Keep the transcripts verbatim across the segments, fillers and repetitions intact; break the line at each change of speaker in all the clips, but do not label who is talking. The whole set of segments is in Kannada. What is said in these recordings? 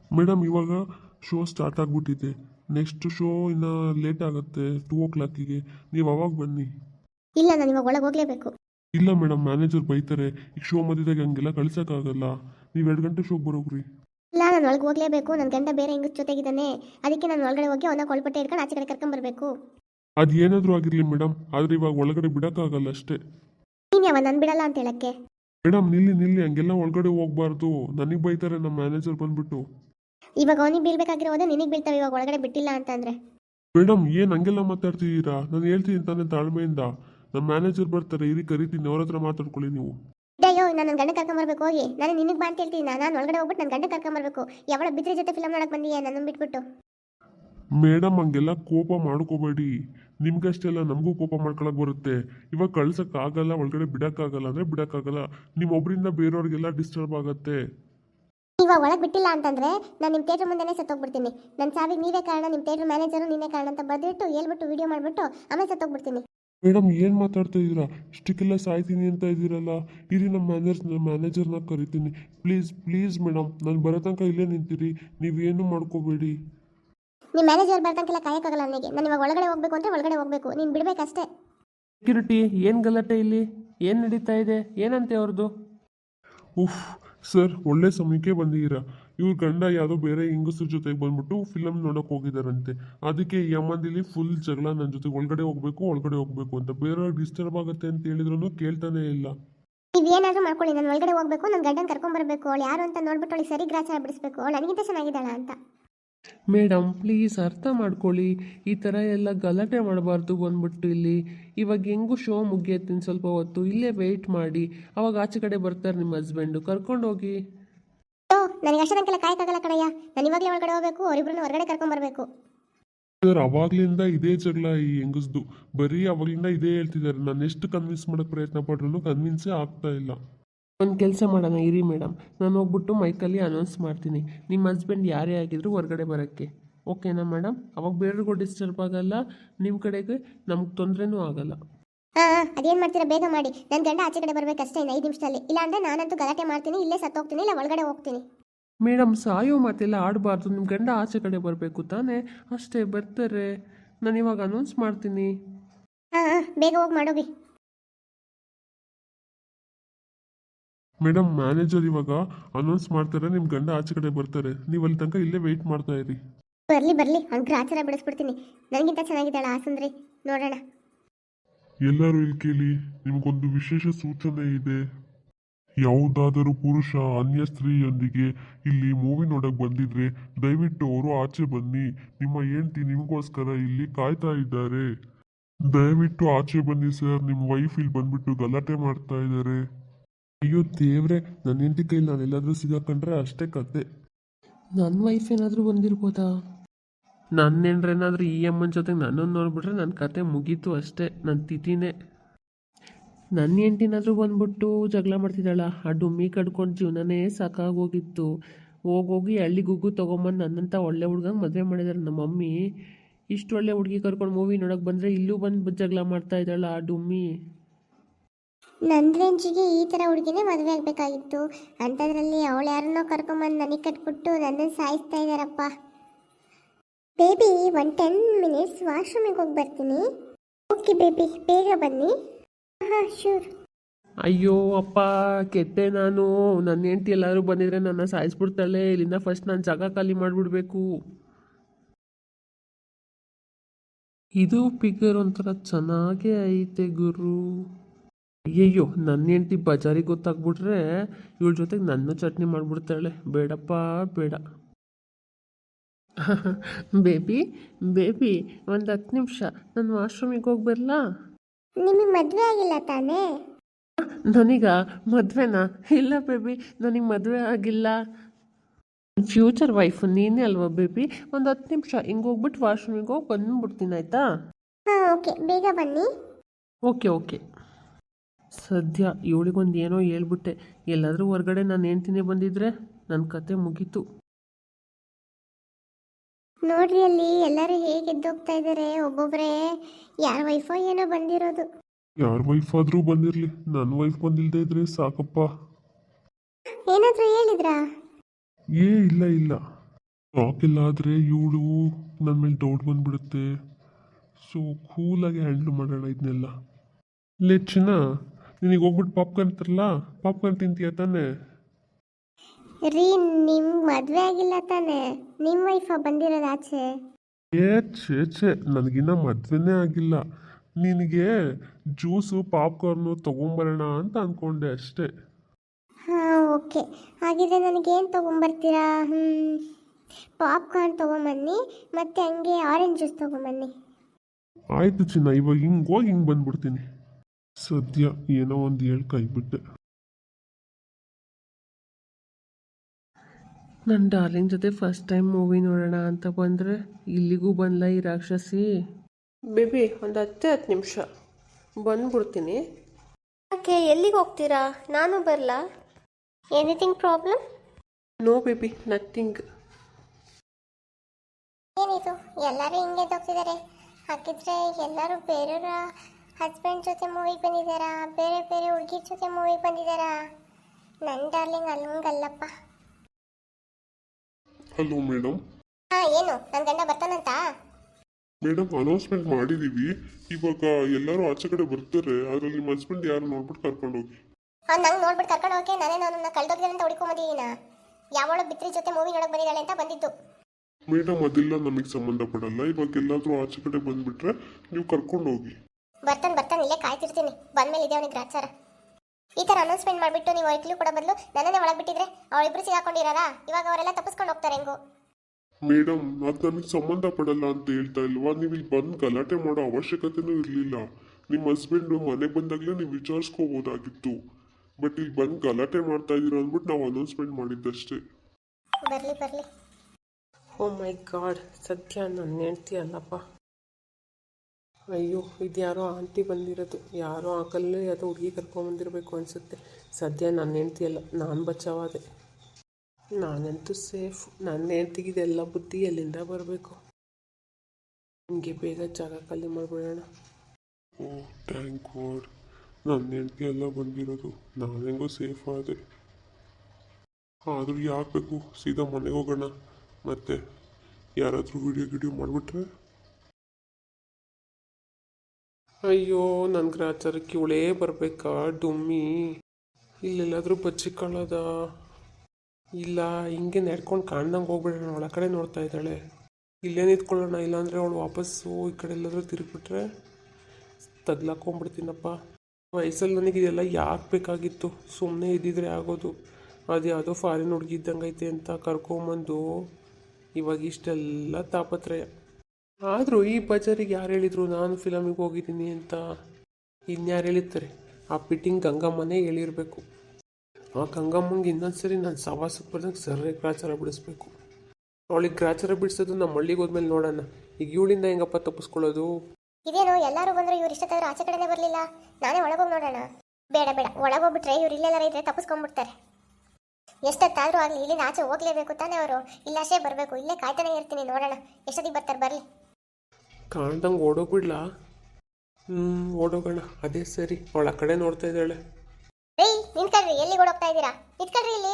ಮೇಡಮ್ ಇವಾಗ ಶೋ ಸ್ಟಾರ್ಟ್ ಆಗಿಬಿಟ್ಟಿದೆ. ನೆಕ್ಸ್ಟ್ ಶೋ ಇನ್ನು ಲೇಟ್ ಆಗುತ್ತೆ, ಟೂ ಓ ಕ್ಲಾಕಿಗೆ. ನೀವು ಅವಾಗ ಬನ್ನಿ.
ಇಲ್ಲ, ನಾನು ಇವಾಗ ಒಳಗೆ ಹೋಗಲೇಬೇಕು.
ಇಲ್ಲ ಮೇಡಮ್, ಮ್ಯಾನೇಜರ್ ಬೈತಾರೆ. ಈಗ ಶೋ ಮಧ್ಯದಾಗ ಹಂಗೆಲ್ಲ ಕಳ್ಸೋಕ್ಕಾಗಲ್ಲ. ನೀವು ಎರಡು ಗಂಟೆ ಶೋಗೆ ಬರೋಗ್ರಿ.
ಇಲ್ಲ, ನಾನು ಒಳಗೆ ಹೋಗಲೇಬೇಕು. ನನ್ನ ಗಂಡ ಬೇರೆ ಹೆಂಗ್ ಜೊತೆಗಿದ್ದಾನೆ, ಅದಕ್ಕೆ ನಾನು ಒಳಗಡೆ ಹೋಗಿ ಅವನ ಕೊಳ್ಪಟ್ಟೆ ಇಟ್ಕೊಂಡು ಆಚೆ ಕಡೆ ಕರ್ಕೊಂಬರ್ಬೇಕು.
ಅದು ಏನಾದರೂ ಆಗಿರಲಿ ಮೇಡಮ್, ಆದರೆ ಇವಾಗ ಒಳಗಡೆ ಬಿಡೋಕ್ಕಾಗಲ್ಲ ಅಷ್ಟೇ.
ನೀನು ಯಾವ ನಾನು ಬಿಡಲ್ಲ ಅಂತ ಹೇಳಕ್ಕೆ?
ಮೇಡಮ್ ನಿಲ್ಲಿ ನಿಲ್ಲಿ, ಹಂಗೆಲ್ಲ ಒಳಗಡೆ ಹೋಗ್ಬಾರ್ದು. ನನಗೆ ಬೈತಾರೆ ನಮ್ಮ ಮ್ಯಾನೇಜರ್ ಬಂದ್ಬಿಟ್ಟು.
ಇವಾಗ ಅವನಿಗೆ ಬೀಳ್ಬೇಕಾಗಿರೋದು ನಿನಗೆ ಬೀಳ್ತಾವೆ, ಇವಾಗ ಒಳಗಡೆ ಬಿಟ್ಟಿಲ್ಲ ಅಂತಂದ್ರೆ.
ಮೇಡಮ್ ಏನು ಹಂಗೆಲ್ಲ ಮಾತಾಡ್ತಿದ್ದೀರಾ? ನಾನು ಹೇಳ್ತೀನಿ ತಾನೇ ತಾಳ್ಮೆಯಿಂದ. ನಮ್ಮ ಮ್ಯಾನೇಜರ್ ಬರ್ತಾರೆ, ಇರಿ ಕರಿತೀನಿ, ಅವ್ರ ಹತ್ರ ಮಾತಾಡ್ಕೊಳ್ಳಿ ನೀವು.
ಅಯ್ಯೋ, ನಾನು ನನ್ನ ಗಂಡ ಕರ್ಕೊಂಬರ್ಬೇಕು ಹೋಗಿ. ನಾನು ನಿನಗೆ ಬಾ ಅಂತ ಹೇಳ್ತೀನಿ. ನಾನು ಒಳಗಡೆ ಹೋಗ್ಬಿಟ್ಟು ನನ್ನ ಗಂಡ ಕರ್ಕೊಂಬರ್ಬೇಕು. ಯಾವಳ ಬಿದ್ದರೆ ಜೊತೆ ಫಿಲಮ್ ನೋಡಕ್ಕೆ ಬಂದೀಯ ನನ್ನ ಬಿಟ್ಬಿಟ್ಟು?
ಮೇಡಮ್ ಹಂಗೆಲ್ಲ ಕೋಪ ಮಾಡ್ಕೋಬೇಡಿ. ನಿಮ್ಗಷ್ಟೆಲ್ಲ ನಮಗೂ ಕೋಪ ಮಾಡ್ಕೊಳಕ್ ಬರುತ್ತೆ. ಇವಾಗ ಕಳ್ಸೋಕ್ಕಾಗಲ್ಲ, ಒಳಗಡೆ ಬಿಡೋಕ್ಕಾಗಲ್ಲ ಅಂದರೆ ಬಿಡೋಕ್ಕಾಗಲ್ಲ. ನಿಮ್ಮೊಬ್ಬರಿಂದ ಬೇರೆಯವ್ರಿಗೆಲ್ಲ ಡಿಸ್ಟರ್ಬ್ ಆಗುತ್ತೆ.
ಇವಾಗ ಒಳಗೆ ಬಿಟ್ಟಿಲ್ಲ ಅಂತಂದ್ರೆ ನಾನು ನಿಮ್ಮ ಥಿಯೇಟ್ರ್ ಮುಂದೆನೇ ಸತ್ತೋಗ್ಬಿಡ್ತೀನಿ. ನನ್ನ ಸಾವಿಗೆ ನೀವೇ ಕಾರಣ, ನಿಮ್ಮ ಥಿಯೇಟ್ರ್ ಮ್ಯಾನೇಜರು ನೀನೇ ಕಾರಣ ಅಂತ ಬರೆದಿಟ್ಟು ಹೇಳ್ಬಿಟ್ಟು ವಿಡಿಯೋ ಮಾಡಿಬಿಟ್ಟು ಆಮೇಲೆ ಸತ್ತೋಗ್ಬಿಡ್ತೀನಿ.
ಮೇಡಮ್ ಏನು ಮಾತಾಡ್ತಾ ಇದ್ದೀರಾ? ಇಷ್ಟಕ್ಕೆಲ್ಲ ಸಾಯ್ತೀನಿ ಅಂತ ಇದ್ದೀರಲ್ಲ. ಇರಿ, ನಮ್ಮ ಮ್ಯಾನೇಜ್ ನಮ್ಮ ಮ್ಯಾನೇಜರ್ನ ಕರಿತೀನಿ. ಪ್ಲೀಸ್ ಪ್ಲೀಸ್ ಮೇಡಮ್, ನಾನು ಬರೋ ತನಕ ಇಲ್ಲೇ ನಿಂತಿರಿ. ನೀವೇನು ಮಾಡ್ಕೋಬೇಡಿ.
ನಿಮ್ಮ ಮ್ಯಾನೇಜರ್ ಬರ್ತಂಕೆಲ್ಲ ಕಾಯಕ್ಕಾಗಲ್ಲ ನನಗೆ. ನಾನು ಇವಾಗ ಒಳಗಡೆ ಹೋಗ್ಬೇಕು ಅಂದರೆ ಒಳಗಡೆ ಹೋಗಬೇಕು, ನೀನು ಬಿಡಬೇಕಷ್ಟೇ.
ಸೆಕ್ಯೂರಿಟಿ, ಏನು ಗಲಾಟೆ ಇಲ್ಲಿ? ಏನು ನಡೀತಾ ಇದೆ? ಏನಂತೆ ಅವ್ರದ್ದು?
ಉಫ್ ಸರ್, ಒಳ್ಳೆ ಸಮಯಕ್ಕೆ ಬಂದಿದ್ದೀರಾ. ಇವ್ರ ಗಂಡ ಯಾವುದೋ ಬೇರೆ ಹೆಂಗಸ್ರ ಜೊತೆಗೆ ಬಂದ್ಬಿಟ್ಟು ಫಿಲಮ್ ನೋಡೋಕೆ ಹೋಗಿದ್ದಾರಂತೆ. ಅದಕ್ಕೆ ಈ ಅಮ್ಮಂದಿಲಿ ಫುಲ್ ಜಗಳ ನನ್ನ ಜೊತೆ. ಒಳಗಡೆ ಹೋಗಬೇಕು ಒಳಗಡೆ ಹೋಗಬೇಕು ಅಂತ. ಬೇರೆಯವ್ರಿಗೆ ಡಿಸ್ಟರ್ಬ್ ಆಗುತ್ತೆ ಅಂತ ಹೇಳಿದ್ರು ಕೇಳ್ತಾನೆ ಇಲ್ಲ.
ನೀವು ಏನಾದರೂ ಮಾಡ್ಕೊಳ್ಳಿ, ನಾನು ಒಳಗಡೆ ಹೋಗಬೇಕು, ನನ್ನ ಗಂಡನ ಕರ್ಕೊಂಬರ್ಬೇಕು. ಅವಳು ಯಾರು ಅಂತ ನೋಡ್ಬಿಟ್ಟು ಅವಳಿಗೆ ಸರಿ ಗ್ರಾಚಾರ ಬಿಡಿಸ್ಬೇಕು, ಅವಳು ನನಗಿಂತ ಚೆನ್ನಾಗಿದ್ದಾಳ ಅಂತ.
ಮೇಡಮ್ ಪ್ಲೀಸ್ ಅರ್ಥ ಮಾಡ್ಕೊಳ್ಳಿ. ಈ ಥರ ಎಲ್ಲ ಗಲಾಟೆ ಮಾಡಬಾರ್ದು ಬಂದ್ಬಿಟ್ಟು ಇಲ್ಲಿ. ಇವಾಗ ಹೆಂಗೂ ಶೋ ಮುಗಿಯತ್ತೀನಿ, ಸ್ವಲ್ಪ ಹೊತ್ತು ಇಲ್ಲೇ ವೆಯ್ಟ್ ಮಾಡಿ. ಅವಾಗ ಆಚೆ ಕಡೆ ಬರ್ತಾರೆ ನಿಮ್ಮ ಹಸ್ಬೆಂಡು, ಕರ್ಕೊಂಡೋಗಿ.
ಓ, ನನಗೆ ಅಷ್ಟೊಂದಕ್ಕೆಲ್ಲ ಕಾಯಕ್ಕಾಗಲ್ಲ ಕಣಯ್ಯ. ನಾನು ಇವಾಗಲೇ ಒಳಗಡೆ ಹೋಗಬೇಕು, ಅವರಿಬ್ಬರನ್ನ ಹೊರಗಡೆ ಕರ್ಕೊಂಬರ್ಬೇಕು.
ಸರ್ ಅವಾಗ್ಲಿಂದ ಇದೇ ಜಗಳ ಈ ಹೆಂಗಸ್ದು. ಬರೀ ಅವಾಗ್ಲಿಂದ ಇದೇ ಹೇಳ್ತಿದ್ದಾರೆ. ನಾನು ಎಷ್ಟು ಕನ್ವಿನ್ಸ್ ಮಾಡೋಕ್ಕೆ ಪ್ರಯತ್ನ ಪಟ್ರು ಕನ್ವಿನ್ಸೇ ಆಗ್ತಾ ಇಲ್ಲ.
ಒಂದು ಕೆಲಸ ಮಾಡೋಣ ಇರಿ ಮೇಡಮ್, ನಾನು ಹೋಗ್ಬಿಟ್ಟು ಮೈಕಲ್ಲಿ ಅನೌನ್ಸ್ ಮಾಡ್ತೀನಿ. ನಿಮ್ಮ ಹಸ್ಬೆಂಡ್ ಯಾರೇ ಆಗಿದ್ರು ಹೊರಗಡೆ ಬರೋಕ್ಕೆ. ಓಕೆನಾ ಮೇಡಮ್? ಅವಾಗ ಬೇರೆಗೂ ಡಿಸ್ಟರ್ಬ್ ಆಗಲ್ಲ, ನಿಮ್ಮ ಕಡೆಗೆ ನಮ್ಗೆ ತೊಂದರೆನೂ ಆಗಲ್ಲ.
ಹಾಂ ಹಾಂ, ಅದೇನು ಮಾಡ್ತೀರಾ ಬೇಗ ಮಾಡಿ. ನನ್ನ ಗಂಡ ಆಚೆ ಕಡೆ ಬರಬೇಕಷ್ಟೇ ಇನ್ನು ಐದು ನಿಮಿಷದಲ್ಲಿ. ಇಲ್ಲಾಂದರೆ ನಾನಂತೂ ಗಲಾಟೆ ಮಾಡ್ತೀನಿ, ಇಲ್ಲೇ ಸತ್ತೋಗ್ತೀನಿ, ಇಲ್ಲ ಒಳಗಡೆ ಹೋಗ್ತೀನಿ.
ಮೇಡಮ್ ಸಾಯೋ ಮಾತೆಲ್ಲ ಆಡಬಾರ್ದು. ನಿಮ್ಮ ಗಂಡ ಆಚೆ ಕಡೆ ಬರಬೇಕು ತಾನೇ? ಅಷ್ಟೇ, ಬರ್ತಾರೆ. ನಾನು ಇವಾಗ ಅನೌನ್ಸ್ ಮಾಡ್ತೀನಿ.
ಹಾಂ ಹಾಂ, ಬೇಗ ಹೋಗಿ ಮಾಡೋಗಿ.
ಮೇಡಮ್ ಮ್ಯಾನೇಜರ್ ಇವಾಗ ಅನೌನ್ಸ್ ಮಾಡ್ತಾರೆ, ನಿಮ್ಮ ಗಂಡ ಆಚೆ ಕಡೆ ಬರ್ತಾರೆ. ನೀವು ಅಲ್ಲಿ ತನಕ ಇಲ್ಲೇ ವೆಯ್ಟ್ ಮಾಡ್ತಾ ಇರಿ.
ಬರಲಿ ಬರಲಿ, ಅಂಗ್ರ ಆಚಾರ ಬಿಡಿಸ್ಬಿಡ್ತೀನಿ. ನನಗಿಂತ ಚೆನ್ನಾಗಿದ್ದಾಳ ಆ ಸುಂದ್ರಿ, ನೋಡೋಣ.
ಎಲ್ಲರೂ ಇಲ್ಲಿ ಕೇಳಿ, ನಿಮಗೊಂದು ವಿಶೇಷ ಸೂಚನೆ ಇದೆ. ಯಾವುದಾದರೂ ಪುರುಷ ಅನ್ಯ ಸ್ತ್ರೀಯೊಂದಿಗೆ ಇಲ್ಲಿ ಮೂವಿ ನೋಡಕ್ ಬಂದಿದ್ರೆ ದಯವಿಟ್ಟು ಅವರು ಆಚೆ ಬನ್ನಿ. ನಿಮ್ಮ ಹೆಂಡತಿ ನಿಮಗೋಸ್ಕರ ಇಲ್ಲಿ ಕಾಯ್ತಾ ಇದ್ದಾರೆ. ದಯವಿಟ್ಟು ಆಚೆ ಬನ್ನಿ ಸರ್, ನಿಮ್ಮ ವೈಫ್ ಇಲ್ಲಿ ಬಂದ್ಬಿಟ್ಟು ಗಲಾಟೆ ಮಾಡ್ತಾ ಇದ್ದಾರೆ. ಅಯ್ಯೋ ದೇವ್ರೆ, ನನ್ನ ಹೆಂಡತಿ ಕೈಲಿ ನಾನು ಎಲ್ಲಾದರೂ ಸಿಗಾಕೊಂಡ್ರೆ ಅಷ್ಟೇ ಕತೆ.
ನನ್ನ ವೈಫ್ ಏನಾದರೂ ಬಂದಿರ್ಬೋದಾ? ನನ್ನ ಏನಾದ್ರೂ ಈ ಅಮ್ಮನ ಜೊತೆಗೆ ನನ್ನನ್ನು ನೋಡ್ಬಿಟ್ರೆ ನನ್ನ ಕತೆ ಮುಗೀತು ಅಷ್ಟೇ, ನನ್ನ ತಿಥಿನೇ. ನನ್ನ ಹೆಂಡತಿನಾದರೂ ಬಂದ್ಬಿಟ್ಟು ಜಗಳ ಮಾಡ್ತಿದ್ದಾಳ. ಆ ಡುಮ್ಮಿ ಕಡ್ಕೊಂಡು ಜೀವನನೇ ಸಾಕಾಗೋಗಿತ್ತು. ಹೋಗೋಗಿ ಹಳ್ಳಿ ಗುಗ್ಗು ತೊಗೊಂಬಂದು ನನ್ನಂಥ ಒಳ್ಳೆ ಹುಡ್ಗಂಗೆ ಮದುವೆ ಮಾಡಿದಾರೆ ನಮ್ಮ ಮಮ್ಮಿ. ಇಷ್ಟು ಒಳ್ಳೆ ಹುಡುಗಿ ಕರ್ಕೊಂಡು ಮೂವಿ ನೋಡೋಕೆ ಬಂದರೆ ಇಲ್ಲೂ ಬಂದು ಜಗಳ ಮಾಡ್ತಾ ಇದ್ದಾಳ ಆ ಡುಮ್ಮಿ.
ನನ್ನ ರೇಂಜಿಗೆ ಈ ಥರ ಹುಡುಗಿನೇ ಮದುವೆ ಆಗಬೇಕಾಗಿತ್ತು. ಅಂಥದ್ರಲ್ಲಿ ಅವಳು ಯಾರನ್ನೋ ಕರ್ಕೊಂಬಂದು ನನಗೆ ಕಟ್ಬಿಟ್ಟು ನನ್ನನ್ನು ಸಾಯಿಸ್ತಾ ಇದ್ದಾರಪ್ಪ. ಬೇಬಿ, ಒಂದು ಟೆನ್ ಮಿನಿಟ್ಸ್ ವಾಶ್ರೂಮಿಗೆ ಹೋಗಿ ಬರ್ತೀನಿ. ಓಕೆ ಬೇಬಿ, ಬೇಗ ಬನ್ನಿ. ಹಾಂ ಶೂರ್.
ಅಯ್ಯೋ ಅಪ್ಪ, ಕೆತ್ತೆ ನಾನು. ನನ್ನ ಹೆಂಡತಿ ಎಲ್ಲರೂ ಬಂದಿದ್ರೆ ನನ್ನ ಸಾಯಿಸ್ಬಿಡ್ತಾಳೆ. ಇಲ್ಲಿಂದ ಫಸ್ಟ್ ನಾನು ಜಾಗ ಖಾಲಿ ಮಾಡಿಬಿಡ್ಬೇಕು. ಇದು ಫಿಗರ್ ಒಂಥರ ಚೆನ್ನಾಗೇ ಐತೆ ಗುರು. ಅಯ್ಯಯ್ಯೋ, ನನ್ನ ಹೆಂಡತಿ ಬಜಾರಿಗೆ ಗೊತ್ತಾಗ್ಬಿಟ್ರೆ ಇವಳ ಜೊತೆಗೆ ನನ್ನ ಚಟ್ನಿ ಮಾಡಿಬಿಡ್ತಾಳೆ. ಬೇಡಪ್ಪ ಬೇಡ. ಬೇಬಿ ಬೇಬಿ, ಒಂದು ಹತ್ತು ನಿಮಿಷ ನಾನು ವಾಶ್ರೂಮಿಗೆ ಹೋಗಿ ಬರಲಾ?
ನಿಮಗೆ ಮದುವೆ ಆಗಿಲ್ಲ ತಾನೇ?
ನನಗ ಮದುವೆನಾ? ಇಲ್ಲ ಬೇಬಿ, ನನಗೆ ಮದುವೆ ಆಗಿಲ್ಲ. ಫ್ಯೂಚರ್ ವೈಫ್ ನೀನೇ ಅಲ್ವಾ ಬೇಬಿ? ಒಂದು ಹತ್ತು ನಿಮಿಷ ಹಿಂಗೆ ಹೋಗ್ಬಿಟ್ಟು ವಾಶ್ರೂಮಿಗೆ ಹೋಗಿ ಬಂದ್ಬಿಡ್ತೀನಿ, ಆಯಿತಾ?
ಹಾಂ ಓಕೆ, ಬೇಗ ಬನ್ನಿ.
Okay okay. ಸದ್ಯ ಇವಳಿಗೊಂದು ಏನೋ ಹೇಳ್ಬಿಟ್ಟೆ. ಎಲ್ಲಾದರೂ ಹೊರಗಡೆ ನಾನು ಹೆಂಡ್ತಿನೇ ಬಂದಿದ್ರೆ ನನ್ನ ಕತೆ ಮುಗೀತು.
ನೋಡ್ರಿ ಅಲ್ಲಿ ಎಲ್ಲರೂ ಹೇಗೆ ಎದ್ದೋಗ್ತಾ ಇದ್ದಾರೆ. ಒಬ್ಬೊಬ್ಬರೇ ಯಾರ ವೈಫೋ ಏನೋ ಬಂದಿರೋದು.
ಯಾರ ವೈಫ್ ಆದರೂ ಬಂದಿರಲಿ, ನನ್ನ ವೈಫ್ ಬಂದಿಲ್ಲದೆ ಇದ್ರೆ ಸಾಕಪ್ಪ.
ಏನಾದರೂ ಹೇಳಿದ್ರಾ?
ಏ ಇಲ್ಲ ಇಲ್ಲ. ಶಾಕಿಲ್ಲ ಆದರೆ ಇವಳು ನನ್ನ ಮೇಲೆ ಡೌಟ್ ಬಂದ್ಬಿಡುತ್ತೆ. ಸೊ ಕೂಲಾಗಿ ಹ್ಯಾಂಡಲ್ ಮಾಡೋಣ ಇದನ್ನೆಲ್ಲ. ಲೇ ಚಿನ್ನ, ನಿನಗೆ ಹೋಗ್ಬಿಟ್ಟು ಪಾಪ್ಕಾರ್ನ್ ತರಲ್ಲ? ಪಾಪ್ಕಾರ್ನ್ ತಿಂತೀಯ ತಾನೆ?
ರೀ ನಿಮ್ಗೆ ಮದುವೆ ಆಗಿಲ್ಲ ತಾನೇ? ನಿಮ್ಮ ವೈಫ ಬಂದಿರೋದು ಆಚೆ?
ಏ ಛೇ ಛೇ, ನನಗಿನ್ನ ಮದುವೆನೇ ಆಗಿಲ್ಲ. ನಿನಗೆ ಜ್ಯೂಸು ಪಾಪ್ಕಾರ್ನು ತೊಗೊಂಬರೋಣ ಅಂತ ಅಂದ್ಕೊಂಡೆ ಅಷ್ಟೇ.
ಹಾಂ ಓಕೆ, ಹಾಗಿದ್ರೆ ನನಗೇನು ತೊಗೊಂಬರ್ತೀರಾ? ಹ್ಞೂ ಪಾಪ್ಕಾರ್ನ್ ತೊಗೊಂಬನ್ನಿ, ಮತ್ತು ಹಂಗೆ ಆರೆಂಜ್ ಜ್ಯೂಸ್ ತೊಗೊಂಬನ್ನಿ.
ಆಯಿತು ಚಿನ್ನ, ಇವಾಗ ಹಿಂಗೆ ಹೋಗಿ ಹಿಂಗೆ ಬಂದ್ಬಿಡ್ತೀನಿ. ಸದ್ಯ ಏನೋ ಒಂದು ಹೇಳಿ ಕೈಬಿಟ್ಟೆ.
ನನ್ನ ಡಾರ್ಲಿಂಗ್ ಜೊತೆ ಫಸ್ಟ್ ಟೈಮ್ ಮೂವಿ ನೋಡೋಣ ಅಂತ ಬಂದರೆ ಇಲ್ಲಿಗೂ ಬಂದ್ಲ ಈ ರಾಕ್ಷಸಿ. ಬೇಬಿ ಒಂದು ಹತ್ತೇ ಹತ್ತು ನಿಮಿಷ ಬಂದ್ಬಿಡ್ತೀನಿ.
ಓಕೆ, ಎಲ್ಲಿಗೆ ಹೋಗ್ತೀರಾ? ನಾನು ಬರಲಾ? Anything problem?
No baby, nothing.
ಏನಿದು ಎಲ್ಲರೂ ಹಿಂಗೆ ಹೋಗ್ತಿದ್ದಾರೆ? ಹಾಗಿದ್ರೆ ಎಲ್ಲರೂ ಬೇರೆಯವರ ಹಸ್ಬೆಂಡ್ ಜೊತೆ ಮೂವಿಗೆ ಬಂದಿದ್ದಾರಾ? ಬೇರೆ ಬೇರೆ ಹುಡುಗಿರ ಜೊತೆ ಮೂವಿಗೆ ಬಂದಿದ್ದಾರಾ? ನನ್ನ ಡಾರ್ಲಿಂಗ್ ಅಲ್ಲಂಗಲ್ಲಪ್ಪ.
Hello madam.
ಹಾಂ ಏನು, ನನ್ನ ಗಂಡ ಬರ್ತಾನಂತ?
ಮೇಡಮ್ ಅನೌನ್ಸ್ಮೆಂಟ್ ಮಾಡಿದ್ದೀವಿ, ಇವಾಗ ಎಲ್ಲರೂ ಆಚೆ ಕಡೆ ಬರ್ತಾರೆ. ಅದರಲ್ಲಿ ನಿಮ್ಮ ಹಸ್ಬೆಂಡ್ ಯಾರು ನೋಡ್ಬಿಟ್ಟು ಕರ್ಕೊಂಡೋಗಿ.
ಹಾಂ, ನಂಗೆ ನೋಡ್ಬಿಟ್ಟು ಕರ್ಕೊಂಡು ಹೋಗಿ ನಾನೇ ನನ್ನ ಕಳ್ದೋಗಿದ್ದಾನೆ ಅಂತ ಹುಡ್ಕೊಂಬಂದಿದ್ದೀನ. ಯಾವಳು ಬಿತ್ರಿ ಜೊತೆ ಮೂವಿ ನೋಡೋಕೆ ಬಂದಿದ್ದಾಳೆ ಅಂತ ಬಂದಿದ್ದು.
ಮೇಡಮ್ ಅದೆಲ್ಲ ನಮಗೆ ಸಂಬಂಧಪಡಲ್ಲ. ಇವಾಗ ಎಲ್ಲಾದರೂ ಆಚೆ ಕಡೆ ಬಂದುಬಿಟ್ರೆ ನೀವು ಕರ್ಕೊಂಡೋಗಿ.
ಬರ್ತಾನೆ ಬರ್ತಾನೆ, ಇಲ್ಲೇ ಕಾಯ್ತಿರ್ತೀನಿ. ಬಂದಮೇಲೆ ಇದೆ ಅವನಿಗೆ ಗ್ರಾಚಾರ. ಈ ಥರ ಅನೌನ್ಸ್ಮೆಂಟ್ ಮಾಡಿಬಿಟ್ಟು ನೀವು ಐಕ್ಲು ಕೂಡ ಬದಲು ನನ್ನನ್ನೇ ಒಳಗೆ ಬಿಟ್ಟಿದ್ರೆ ಅವಳಿಬ್ರು ಸಿಗಾಕೊಂಡಿರಾರಾ? ಇವಾಗ ಅವರೆಲ್ಲ ತಪ್ಪಿಸ್ಕೊಂಡು ಹೋಗ್ತಾರೆ ಹೆಂಗೋ.
ಮೇಡಮ್ ಅದು ನಮಗೆ ಸಂಬಂಧಪಡಲ್ಲ ಅಂತ ಹೇಳ್ತಾ ಇಲ್ವಾ? ನೀವು ಇಲ್ಲಿ ಬಂದು ಗಲಾಟೆ ಮಾಡೋ ಅವಶ್ಯಕತೆನೂ ಇರಲಿಲ್ಲ. ನಿಮ್ಮ ಹಸ್ಬೆಂಡು ಮನೆಗೆ ಬಂದಾಗಲೇ ನೀವು ವಿಚಾರಿಸ್ಕೋಬೋದಾಗಿತ್ತು. ಬಟ್ ಇಲ್ಲಿ ಬಂದು ಗಲಾಟೆ ಮಾಡ್ತಾ ಇದ್ದೀರಾ ಅಂದ್ಬಿಟ್ಟು ನಾವು ಅನೌನ್ಸ್ಮೆಂಟ್ ಮಾಡಿದ್ದಷ್ಟೇ.
ಬರಲಿ ಬರಲಿ.
ಓ ಮೈ ಗಾಡ್, ಸದ್ಯ ನನ್ನ ಹೆಂಡ್ತಿ ಅಲ್ಲಪ್ಪ. ಅಯ್ಯೋ, ಇದು ಯಾರೋ ಆಂಟಿ ಬಂದಿರೋದು. ಯಾರೋ ಆಕಲ್ಲೇ ಯಾವುದೋ ಹುಡುಗಿ ಕರ್ಕೊಂಬಂದಿರಬೇಕು ಅನಿಸುತ್ತೆ. ಸದ್ಯ ನನ್ನ ಹೆಂಡ್ತಿ ಅಲ್ಲ, ನಾನು ಬಚಾವಾದೆ. ನಾನಂತೂ ಸೇಫ್. ನನ್ನ ಹೆಂಡ್ತಿಗೆ ಇದೆಲ್ಲ ಬುದ್ಧಿ ಎಲ್ಲಿಂದ ಬರಬೇಕು. ನಿಮಗೆ ಬೇಗ ಜಾಗ ಖಾಲಿ ಮಾಡಿಬಿಡೋಣ.
ಓ ಥ್ಯಾಂಕ್ ಗಾಡ್, ನನ್ನ ಹೆಂಡ್ತಿ ಎಲ್ಲ ಬಂದಿರೋದು. ನಾನು ಹೆಂಗೋ ಸೇಫ್ ಆದೆ. ಆದರೂ ಯಾಕೆ ಬೇಕು? ಸೀದಾ ಮನೆಗೆ ಹೋಗೋಣ. ಮತ್ತೆ ಯಾರಾದರೂ ವಿಡಿಯೋ ಗಿಡಿಯೋ ಮಾಡಿಬಿಟ್ರೆ?
ಅಯ್ಯೋ, ನನ್ನ ಗ್ರಾಚಾರಕ್ಕೆ ಇವಳೇ ಬರಬೇಕಾ ಡುಮ್ಮಿ? ಇಲ್ಲೆಲ್ಲಾದರೂ ಬಚ್ಚಿಕೊಳ್ಳೋದ? ಇಲ್ಲ, ಹಿಂಗೆ ನಡ್ಕೊಂಡು ಕಾಣ್ದಂಗೆ ಹೋಗ್ಬಿಡೋಣ. ಒಳ ಕಡೆ ನೋಡ್ತಾ ಇದ್ದಾಳೆ. ಇಲ್ಲೇ ನಿಂತ್ಕೊಳ್ಳೋಣ. ಇಲ್ಲಾಂದರೆ ಅವಳು ವಾಪಸ್ಸು ಈ ಕಡೆ ಎಲ್ಲಾದರೂ ತಿರುಗಿಬಿಟ್ರೆ ತಗ್ಲಾಕೊಂಡ್ಬಿಡ್ತೀನಪ್ಪ. ವಯಸ್ಸಲ್ಲಿ ನನಗೆ ಇದೆಲ್ಲ ಯಾಕೆ ಬೇಕಾಗಿತ್ತು? ಸುಮ್ಮನೆ ಇದ್ದಿದ್ರೆ ಆಗೋದು. ಅದು ಯಾವುದೋ ಫಾರಿನ್ ಹುಡುಗಿ ಇದ್ದಂಗೈತೆ ಅಂತ ಕರ್ಕೊಂಬಂದು ಇವಾಗ ಇಷ್ಟೆಲ್ಲ ತಾಪತ್ರಯ. ಆದರೂ ಈ ಬಜಾರಿಗೆ ಯಾರು ಹೇಳಿದರು ನಾನು ಫಿಲಮಿಗೆ ಹೋಗಿದ್ದೀನಿ ಅಂತ? ಇನ್ಯಾರು ಹೇಳಿರ್ತಾರೆ? ಆ ಪಿಟ್ಟಿಂಗ್ ಗಂಗಮ್ಮನೇ ಹೇಳಿರಬೇಕು. ಆ ಗಂಗಮ್ಮಂಗೆ ಇನ್ನೊಂದು ಸರಿ ನಾನು ಸವಾಸಕ್ಕೆ ಬರ್ದಂಗೆ ಸರಿ ಗ್ರಾಚಾರ ಬಿಡಿಸ್ಬೇಕು. ಅವಳಿಗೆ ಗ್ರಾಚಾರ ಬಿಡಿಸೋದು ನಮ್ಮ ಹಳ್ಳಿಗೆ ಹೋದ್ಮೇಲೆ ನೋಡೋಣ. ಈಗ ಇವಳಿಂದ ಹೆಂಗಪ್ಪ ತಪ್ಪಿಸ್ಕೊಳ್ಳೋದು?
ಇದೇನು ಎಲ್ಲರೂ ಬಂದರು, ಇವ್ರು ಇಷ್ಟತ್ತಾದ್ರೂ ಆಚೆ ಕಡೆನೇ ಬರಲಿಲ್ಲ. ನಾನೇ ಒಳಗೋಗಿ ನೋಡೋಣ. ಬೇಡ ಬೇಡ, ಒಳಗೋಗ್ಬಿಟ್ರೆ ಇವ್ರು ಇಲ್ಲೆಲ್ಲಾರ ಇದ್ರೆ ತಪ್ಪಿಸ್ಕೊಂಡ್ಬಿಡ್ತಾರೆ. ಎಷ್ಟೊತ್ತಾದರೂ ಆಗಲಿ ಇಲ್ಲಿಂದ ಆಚೆ ಹೋಗ್ಲೇಬೇಕು ತಾನೇ ಅವರು. ಇಲ್ಲ ಅಷ್ಟೇ ಬರಬೇಕು. ಇಲ್ಲೇ ಕಾಯ್ತಾನೆ ಇರ್ತೀನಿ, ನೋಡೋಣ ಎಷ್ಟೊತ್ತಿಗೆ ಬರ್ತಾರೆ. ಬರಲಿ.
ಕಾಣ್ದಂಗೆ ಓಡೋಗ್ಬಿಡ್ಲಾ? ಹ್ಞೂ ಓಡೋಗೋಣ. ಅದೇ ಸರಿ. ಅವಳ ಆ ಕಡೆ ನೋಡ್ತಾ ಇದ್ದಾಳೆ.
ರೀ ನಿಂತ್ಕೊಳ್ರಿ, ಎಲ್ಲಿಗೆ ಓಡೋಗ್ತಾ ಇದ್ದೀರಾ? ನಿಂತ್ಕೊಳ್ರಿ ಇಲ್ಲಿ.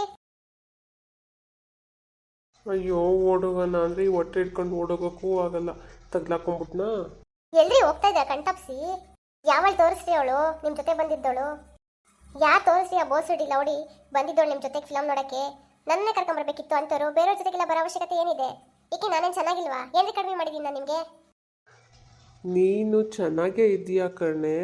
ಅಯ್ಯೋ, ಓಡೋಗೋಣ ಅಂದರೆ ಈ ಹೊಟ್ಟೆ ಇಟ್ಕೊಂಡು ಓಡೋಗೋಕ್ಕೂ ಆಗಲ್ಲ. ತಗ್ಲಾಕೊಂಡ್ಬಿಟ್ನಾ?
ಎಲ್ರಿ ಹೋಗ್ತಾ ಇದ್ದೀರಾ ಕಣ್ತಪ್ಸಿ? ಯಾವಳು ತೋರಿಸ್ರಿ ಅವಳು ನಿಮ್ಮ ಜೊತೆ ಬಂದಿದ್ದವಳು? ಯಾರು ತೋರಿಸ್ರಿ ಆ ಬೋಸ್ ಲೌಡಿ ಬಂದಿದ್ದವಳು ನಿಮ್ಮ ಜೊತೆಗೆ ಫಿಲಮ್ ನೋಡೋಕ್ಕೆ? ನನ್ನೇ ಕರ್ಕೊಂಬರ್ಬೇಕಿತ್ತು ಅಂತವರು. ಬೇರೆಯವ್ರ ಜೊತೆಗೆಲ್ಲ ಬರೋ ಅವಶ್ಯಕತೆ ಏನಿದೆ? ಈಕೆ ನಾನೇನು ಚೆನ್ನಾಗಿಲ್ವಾ? ಏನ್ರಿ ಕಡಿಮೆ ಮಾಡಿದ್ದೀನಿ ನಾನು ನಿಮಗೆ?
ನೀನು ಚೆನ್ನಾಗೇ ಇದೆಯಾ ಕಣೆ,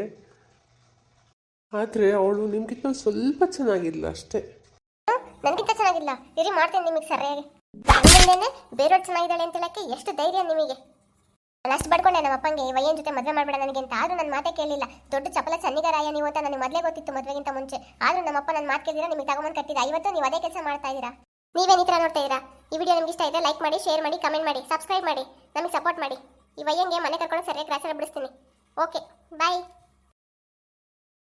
ಆದರೆ ಅವಳು ನಿಮ್ಗಿಂತ ಸ್ವಲ್ಪ ಚೆನ್ನಾಗಿಲ್ಲ ಅಷ್ಟೇ.
ನನಗಿಂತ ಚೆನ್ನಾಗಿಲ್ಲ? ಇರಿ ಮಾಡ್ತೇನೆ ನಿಮಗೆ ಸರಿಯಾಗಿ. ನನ್ನಿಂದೇನೆ ಬೇರೆಯವ್ರು ಚೆನ್ನಾಗಿದ್ದಾಳೆ ಅಂತ ಹೇಳಕ್ಕೆ ಎಷ್ಟು ಧೈರ್ಯ ನಿಮಗೆ? ನಾನು ಅಷ್ಟು ಬಡ್ಕೊಂಡೆ ನಮ್ಮ ಅಪ್ಪಂಗೆ ವಯ್ಯನ ಜೊತೆ ಮದುವೆ ಮಾಡಬೇಡ ನನಗೆ ಅಂತ. ಆದರೂ ನನ್ನ ಮಾತೇ ಕೇಳಿಲ್ಲ. ದೊಡ್ಡ ಚಪಲ ಸನ್ನಿಗಾರಾಯ ನೀವು ಅಂತ ನನಗೆ ಮೊದಲೇ ಗೊತ್ತಿತ್ತು ಮದುವೆಗಿಂತ ಮುಂಚೆ. ಆದರೂ ನಮ್ಮಪ್ಪ ನನ್ನ ಮಾತು ಕೇಳಿದ್ರೆ ನಿಮಗೆ ತಗೊಂಬಂದು ಕಟ್ಟಿದ. ಇವತ್ತು ನೀವು ಅದೇ ಕೆಲಸ ಮಾಡ್ತಾ ಇದ್ದೀರಾ. ನೀವೇನು ಈ ಥರ ನೋಡ್ತಾ ಇದ್ದೀರಾ? ಈ ವಿಡಿಯೋ ನಿಮ್ಗೆ ಇಷ್ಟ ಇದ್ದರೆ ಲೈಕ್ ಮಾಡಿ, ಶೇರ್ ಮಾಡಿ, ಕಮೆಂಟ್ ಮಾಡಿ, ಸಬ್ಸ್ಕ್ರೈಬ್ ಮಾಡಿ, ನಮಗೆ ಸಪೋರ್ಟ್ ಮಾಡಿ. ಈ ವಯ್ಯಂಗೆ ಮನೆ ಕರ್ಕೊಂಡು ಸರಿಯಾಗಿ ಗ್ರಾಚಾರ ಬಿಡಿಸ್ತೀನಿ. Okay bye.